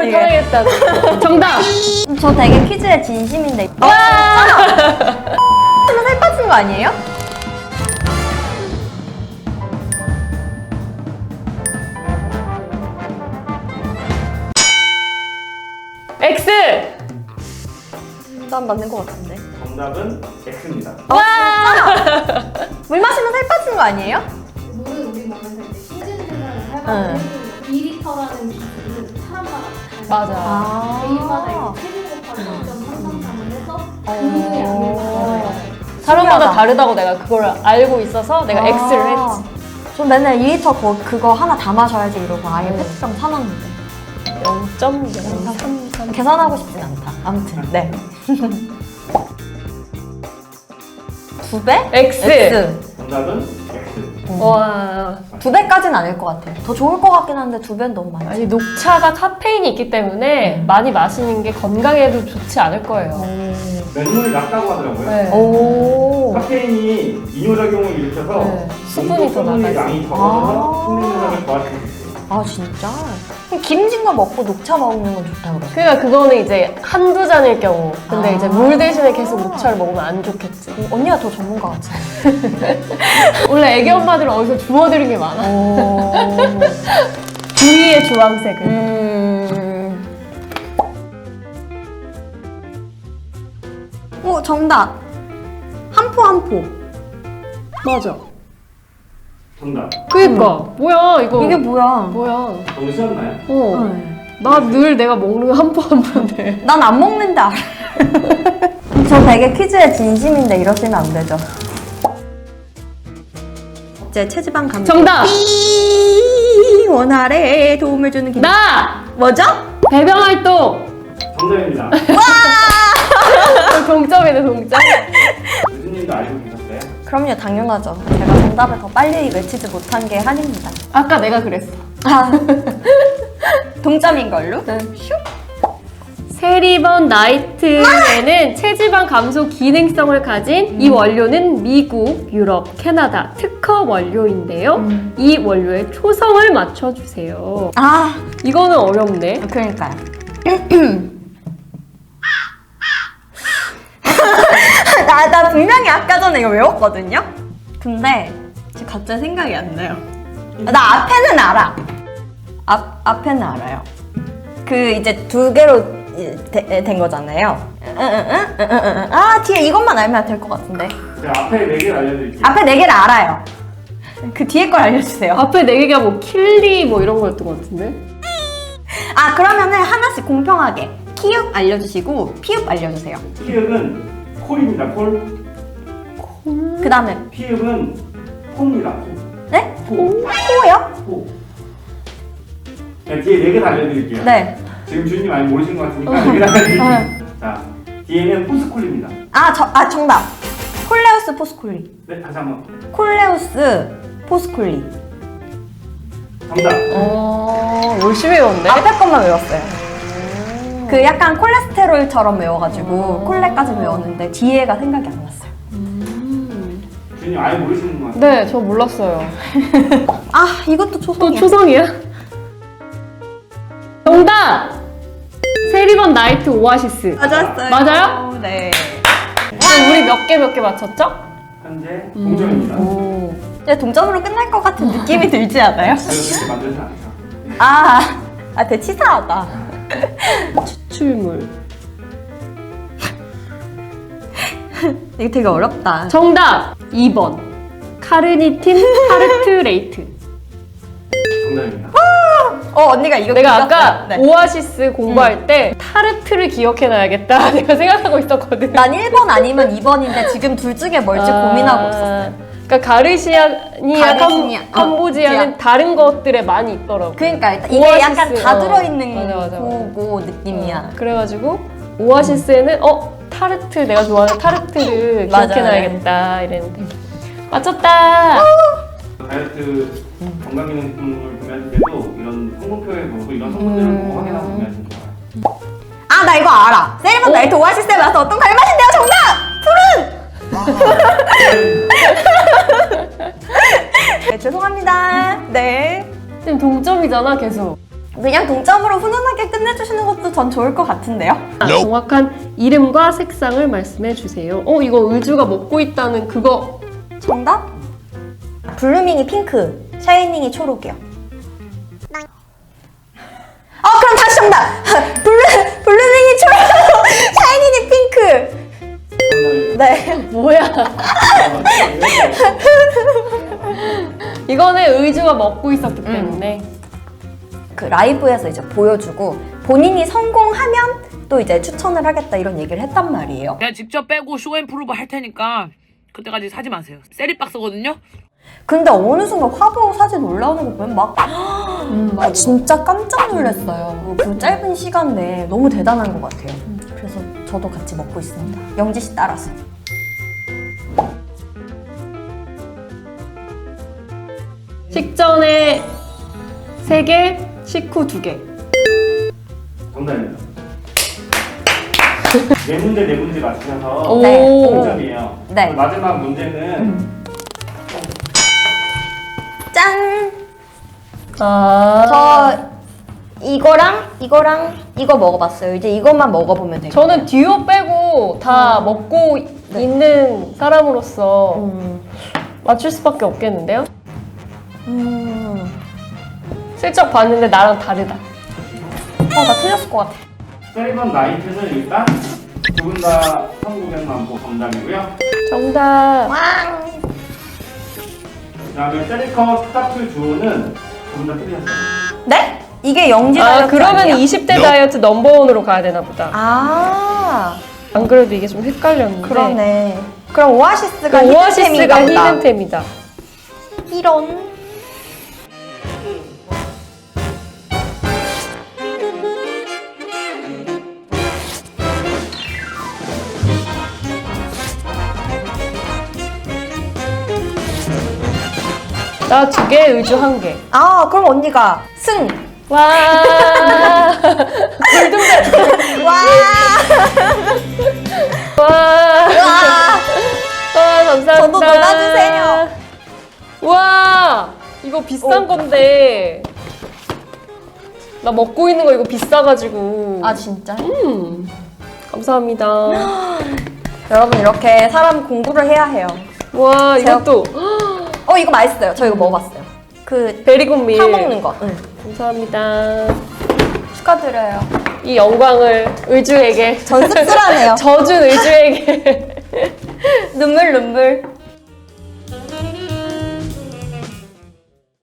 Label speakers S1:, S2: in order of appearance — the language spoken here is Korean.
S1: 마음을 편하겠다. 정답!
S2: 저 되게 퀴즈에 진심인데. 와! 하면 살 빠진 거 아니에요?
S1: X!
S2: 난 맞는 거 같은데.
S3: 정답은 X입니다.
S2: 물 마시면 살 빠진 거 아니에요?
S4: 물은 우리 몸에서 이제 신진 생산을 살만한 2리터라는 기준은 사람마다 달라요.
S1: 맞아.
S4: 개인마다 이제 체중 곱하기 0.333을 해서 그 양을 받아요.
S1: 사람마다
S2: 신기하다.
S1: 다르다고 내가 그걸 알고 있어서 내가 X를 했지.
S2: 전 맨날 2리터 그거 하나 다 마셔야지 이러고 아예 페트병 사놨는데.
S1: 0.033.
S2: 계산하고 싶진 않다. 아무튼 네. 두 배?
S1: X.
S3: 정답은 X.
S1: 와.
S2: 두 배까지는 아닐 것 같아요. 더 좋을 것 같긴 한데 두 배는 너무 많지.
S1: 아니, 녹차가 카페인이 있기 때문에 많이 마시는 게 건강에도 좋지 않을 거예요.
S3: 면역력이 낮다고 하더라고요.
S1: 네.
S2: 오.
S3: 카페인이 이뇨작용을 일으켜서
S1: 네. 수분이 더
S3: 수분의
S1: 나가지.
S3: 양이 적어서 식는 현상을 도와줄 수 있어요.
S2: 아 진짜? 그럼 기름진 거 먹고 녹차 먹는 건 좋다고 그러죠?
S1: 그러니까 그거는 이제 한두 잔일 경우. 근데
S2: 아.
S1: 이제 물 대신에 계속 녹차를 먹으면 안 좋겠지.
S2: 언니가 더 전문가 같아.
S1: 원래 애기 엄마들은 어디서 주워들은 게 많아. 주위의 주황색을.
S2: 오 정답. 한 포.
S1: 맞아.
S3: 정답.
S1: 그니까. 뭐야, 이거.
S2: 이게 뭐야?
S1: 뭐야.
S3: 너무 쉬웠나요?
S1: 어. 나 늘 내가 먹는 거 한 번인데.
S2: 난 안 먹는데 알아. 저 되게 퀴즈에 진심인데 이러시면 안 되죠. 제 체지방 감소.
S1: 정답!
S2: 원활에 도움을 주는 기능.
S1: 나!
S2: 뭐죠?
S1: 배변 활동!
S3: 정답입니다.
S1: 동점이네, 동점.
S3: 교수님도 알고 계셨어요?
S2: 그럼요, 당연하죠. 제가 정답을 더 빨리 외치지 못한 게 한입니다.
S1: 아까 내가 그랬어.
S2: 아, 동점인 걸로?
S1: 네. 세리번 나이트에는 체지방 감소 기능성을 가진 이 원료는 미국, 유럽, 캐나다 특허 원료인데요. 이 원료의 초성을 맞춰주세요.
S2: 아,
S1: 이거는 어렵네.
S2: 그러니까요. 나 분명히 아까 전에 이거 외웠거든요? 근데 지금 갑자기 생각이 안 나요. 나 앞에는 알아. 앞에는 알아요. 그 이제 두 개로 된 거잖아요. 아, 뒤에 이것만 알면 될 것 같은데.
S3: 제가 앞에 4개를 알려드릴게요.
S2: 앞에 네 개를 알아요. 그 뒤에 걸 알려주세요.
S1: 앞에 네 개가 뭐 킬리 뭐 이런 거였던 것 같은데?
S2: 아, 그러면은 하나씩 공평하게 키읔 알려주시고 피읍 알려주세요.
S3: 피읍은 콜입니다. 콜.
S2: 그 다음에
S3: 피읍은 포입니다.
S2: 네?
S3: 포.
S2: 코요?
S3: 포. 네, 뒤에 4개 다 알려드릴게요.
S2: 네.
S3: 지금 주인님 많이 모르시는 것 같으니까 4개 다 알려드릴게요. 자, 뒤에는 포스콜입니다.
S2: 정답. 콜레우스 포스콜리.
S3: 네, 다시 한번.
S2: 콜레우스 포스콜리.
S3: 정답.
S1: 열심히 외웠네.
S2: 앞에 것만 외웠어요. 그 약간 콜레스테롤처럼 외워가지고 콜레까지 외웠는데 뒤에가 생각이 안 났어요.
S3: 주인님 아예 모르시는 것 같아요.
S1: 네, 저 몰랐어요.
S2: 아, 이것도
S1: 또
S2: 초성이야.
S1: 초성이야? 정답! 세리번 나이트 오아시스.
S2: 맞았어요.
S1: 맞아요?
S2: 네.
S1: 그럼 우리 몇 개 맞췄죠?
S3: 현재 동점입니다.
S1: 오.
S2: 이제 동점으로 끝날 것 같은 느낌이 들지 않아요?
S3: 제가 그렇게 만들진 않죠.
S2: 되게 치사하다.
S1: 추출물.
S2: 이거 되게 어렵다.
S1: 정답! 2번. 카르니틴 타르트레이트.
S3: 정답입니다.
S2: 언니가 이거
S1: 내가
S2: 기억났어요.
S1: 아까
S2: 네.
S1: 오아시스 공부할 때 타르트를 기억해놔야겠다 내가 생각하고 있었거든.
S2: 난 1번 아니면 2번인데 지금 둘 중에 뭘지 고민하고 있었어요.
S1: 그러니까 가르시아니아
S2: 가르시니아.
S1: 캄보지아는 다른 것들에 많이 있더라고.
S2: 그러니까 일단 이게
S1: 오아시스,
S2: 약간 다 들어있는
S1: 맞아.
S2: 거고 느낌이야.
S1: 그래가지고 오아시스에는 타르트 내가 좋아하는 타르트를
S2: 맞아요.
S1: 기억해놔야겠다 이랬는데 맞췄다.
S3: 다이어트 건강기능품을 구매하실 때도 이런 성분표에 보고 이런 성분들을 보고 확인하고 구매하시면 좋아요.
S2: 아, 나 이거 알아. 세리번 나이트 오아시스에 와서 어떤 과일 맛인데요? 정답! 푸른! 네, 죄송합니다. 네.
S1: 지금 동점이잖아 계속.
S2: 그냥 동점으로 훈훈하게 끝내주시는 전 좋을 것 같은데요?
S1: 정확한 이름과 색상을 말씀해 주세요. 이거 의주가 먹고 있다는 그거.
S2: 정답? 블루밍이 핑크, 샤이닝이 초록이요. 그럼 다시 정답! 블루밍이 초록, 샤이닝이 핑크. 네.
S1: 뭐야? 이거는 의주가 먹고 있었기 때문에.
S2: 그 라이브에서 이제 보여주고 본인이 성공하면 또 이제 추천을 하겠다 이런 얘기를 했단 말이에요.
S5: 내가 직접 빼고 쇼앤프루브 할 테니까 그때까지 사지 마세요. 세리박스거든요.
S2: 근데 어느 순간 화보 사진 올라오는 거 보면 막 진짜 깜짝 놀랐어요. 그 짧은 시간 내에 너무 대단한 것 같아요. 그래서 저도 같이 먹고 있습니다. 영지 씨 따라서.
S1: 식전에 3개, 식후 2개.
S3: 정답입니다. 네 문제 맞추셔서
S1: 오.
S2: 네.
S3: 0점이에요.
S2: 네.
S3: 마지막 문제는
S2: 짠!
S1: 아.
S2: 저 이거랑 이거 먹어봤어요. 이제 이것만 먹어보면 돼요.
S1: 저는 듀오 빼고 다 먹고 있는 사람으로서 맞출 수밖에 없겠는데요? 슬쩍 봤는데 나랑 다르다.
S2: 나 틀렸을 것 같아.
S3: 세리번 나이트는 일단 두 분 다 1900만 보 정답이고요.
S1: 정답.
S3: 그 다음에 세리커 스타플 주호는 두 분 다 틀리셨어요.
S2: 네? 이게 영지 다이어트
S1: 그러면
S2: 아니에요?
S1: 20대 다이어트 넘버원으로 가야 되나 보다.
S2: 안
S1: 그래도 이게 좀 헷갈렸는데.
S2: 그러네. 그럼 오아시스가
S1: 그 오아시스가
S2: 히든템인가 보다.
S1: 히든템이다.
S2: 이런.
S1: 나 2개, 의주 1개.
S2: 그럼 언니가 승.
S1: 와.
S2: 와.
S1: 와.
S2: 와.
S1: 감사합니다.
S2: 저도 놀아주세요.
S1: 와, 이거 비싼 건데. 나 먹고 있는 거 이거 비싸가지고.
S2: 진짜?
S1: 감사합니다.
S2: 여러분 이렇게 사람 공부를 해야 해요.
S1: 와, 이것도.
S2: 이거 맛있어요. 저 이거 먹어봤어요. 그
S1: 베리곤밀.
S2: 파 먹는 거.
S1: 감사합니다.
S2: 축하드려요.
S1: 이 영광을 의주에게.
S2: 전 씁쓸하네요.
S1: 져준 의주에게.
S2: 눈물.